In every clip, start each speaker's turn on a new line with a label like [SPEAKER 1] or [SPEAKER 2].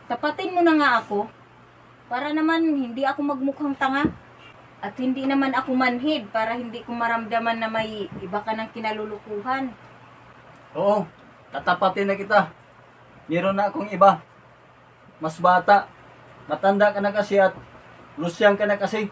[SPEAKER 1] Tapatin mo na nga ako. Para naman hindi ako magmukhang tanga. At hindi naman ako manhid para hindi ko maramdaman na may iba ka ng kinalulukuhan.
[SPEAKER 2] Oo, tatapatin na kita. Meron na akong iba. Mas bata. Matanda ka na kasi at lusyang ka na kasi.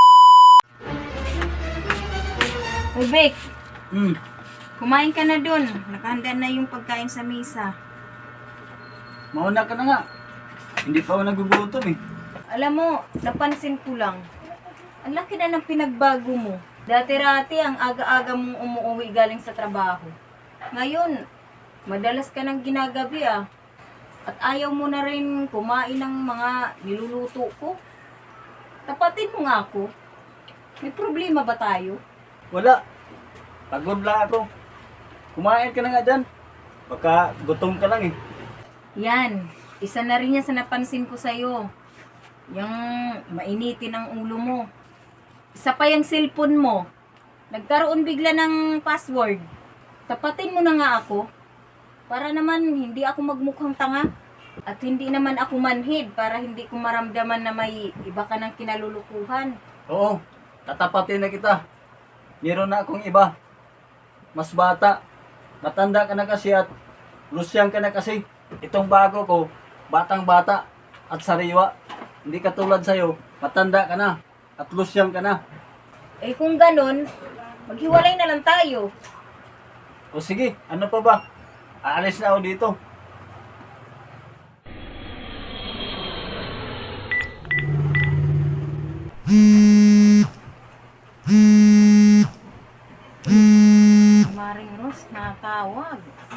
[SPEAKER 1] Uy, Vic,
[SPEAKER 2] Hmm,
[SPEAKER 1] kumain ka na dun. Nakahanda na yung pagkain sa mesa.
[SPEAKER 2] mauna ka na nga. Hindi pa ako nagugutom eh.
[SPEAKER 1] Alam mo, napansin ko lang. Ang laki na ng pinagbago mo. Dati-rati ang aga-aga mong umuwi galing sa trabaho. Ngayon, madalas ka nang ginagabi ah. At ayaw mo na rin kumain ng mga niluluto ko. Tapatin mo nga ako. May problema ba tayo?
[SPEAKER 2] Wala. Pagod lang ako. Kumain ka na nga dyan. Baka gutom ka lang eh.
[SPEAKER 1] Yan, isa na rin yan sa napansin ko sa'yo. Yung mainitin ang ulo mo. Isa pa yung cellphone mo. Nagkaroon bigla ng password. Tapatin mo na nga ako. Para naman hindi ako magmukhang tanga. At hindi naman ako manhid para hindi ko maramdaman na may iba ka ng kinalulukuhan.
[SPEAKER 2] Oo, tatapatin na kita. Meron na akong iba. Mas bata. Matanda ka na kasi at lusyang ka na kasi. Itong bago ko, batang bata at sariwa. Hindi katulad sa'yo, matanda ka na at lusyang ka na.
[SPEAKER 1] Eh kung ganun, maghiwalay na lang tayo.
[SPEAKER 2] O sige, ano pa ba? Aalis na ako dito.
[SPEAKER 1] Maring Ros, natawag.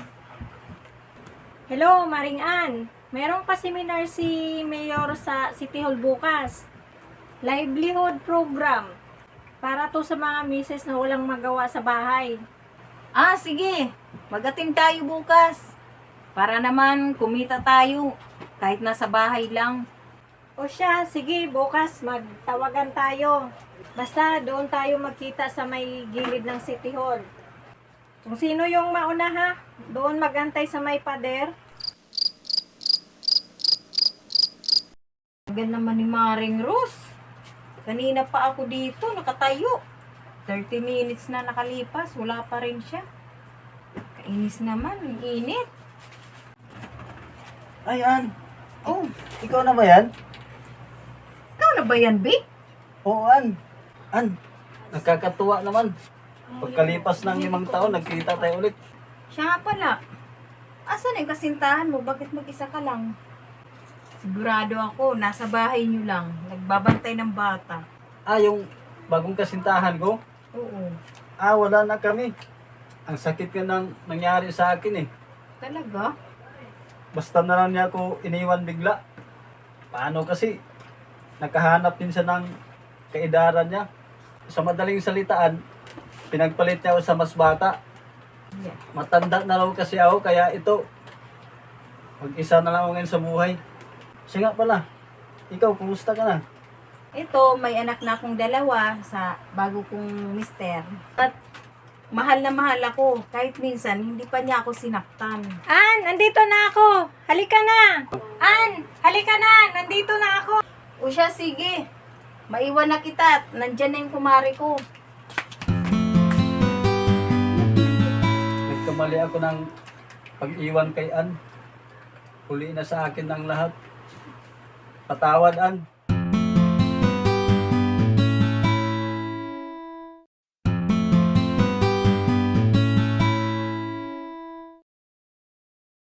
[SPEAKER 3] Hello, Maring Ann. Meron pa seminar si Mayor sa City Hall bukas. Livelihood program. Para to sa mga misis na walang magawa sa bahay.
[SPEAKER 1] Ah, sige. Mag-attend tayo bukas. Para naman kumita tayo. Kahit nasa bahay lang.
[SPEAKER 3] O siya, sige, bukas magtawagan tayo. Basta doon tayo magkita sa may gilid ng City Hall. Kung sino yung mauna ha, doon magantay sa may pader.
[SPEAKER 1] Tagal naman ni Maring Ros. Kanina pa ako dito, nakatayo. 30 minutes na nakalipas, wala pa rin siya. Kainis naman, ang init.
[SPEAKER 2] Ayan,
[SPEAKER 1] Oh,
[SPEAKER 2] ikaw na ba yan?
[SPEAKER 1] ikaw na ba yan, Vic?
[SPEAKER 2] Oo, An, nakakatuwa naman. Pagkalipas ng 5 taon, nagkita tayo ulit.
[SPEAKER 1] Siya nga pala. Asan yung kasintahan mo? Bakit mag-isa ka lang? Sigurado ako, nasa bahay niyo lang. Nagbabantay ng bata.
[SPEAKER 2] Ah, yung bagong kasintahan ko?
[SPEAKER 1] Oo.
[SPEAKER 2] Ah, wala na kami. Ang sakit ka nang nangyari sa akin eh.
[SPEAKER 1] Talaga?
[SPEAKER 2] Basta na lang niya ako iniwan bigla. Paano kasi? Nakahanap din siya ng kaedaran niya. Sa madaling salitaan, pinagpalit niya ako sa mas bata.
[SPEAKER 1] Yeah.
[SPEAKER 2] Matanda na raw kasi ako, kaya ito, mag-isa na lang ako ngayon sa buhay. Siya nga pala, ikaw, kumusta ka na?
[SPEAKER 1] Ito, may anak na akong dalawa sa bago kong mister. At mahal na mahal ako. Kahit minsan, hindi pa niya ako sinaktan.
[SPEAKER 3] Ann, nandito na ako. Halika na. Ann, halika na. Nandito na ako.
[SPEAKER 1] O siya, sige. Maiwan na kita at nandyan na yung kumari ko.
[SPEAKER 2] Nagkamali ako ng pag-iwan kay Ann. Huli na sa akin ng lahat. Patawad, Ann.